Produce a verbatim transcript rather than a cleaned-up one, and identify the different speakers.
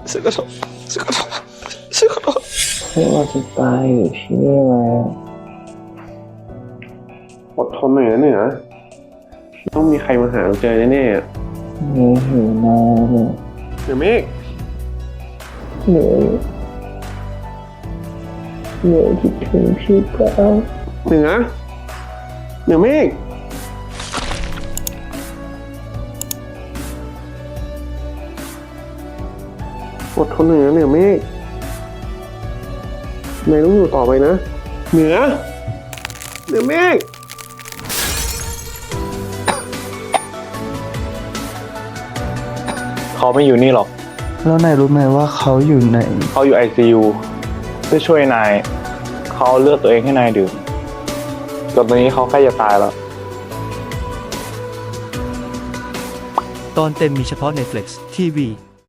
Speaker 1: ฉันขอโทษฉันขอโทษฉันขอโทษ
Speaker 2: เพื่อว่าจะตายอยู่ที่นี่แล้ว
Speaker 1: อดทนหน่อยนะเหนือต้องมีใครมาหาเราเจอแน่ๆอะ
Speaker 2: เหนื่อยหิวน้ำ
Speaker 1: เหนือเมฆ
Speaker 2: เหนื่อยเหนื่อยคิดถึงพี่เปล่า
Speaker 1: เหนือเหนือเมฆอดทนหน่อยนะเหนือเมฆนายต้องอยู่ต่อไปนะเหนือเหนือเมฆ
Speaker 3: เขาไม่อยู่นี่หรอก
Speaker 2: แล้วนายรู้ไหมว่าเขาอยู่ไหน
Speaker 3: เขาอยู่ ไอ ซี ยู เพื่อช่วยนาย เขาเลือกตัวเองให้นายดื่มจนตอนนี้เขาใกล้จะตายแล้ว
Speaker 4: ตอนเต็มมีเฉพาะ Netflix ที วี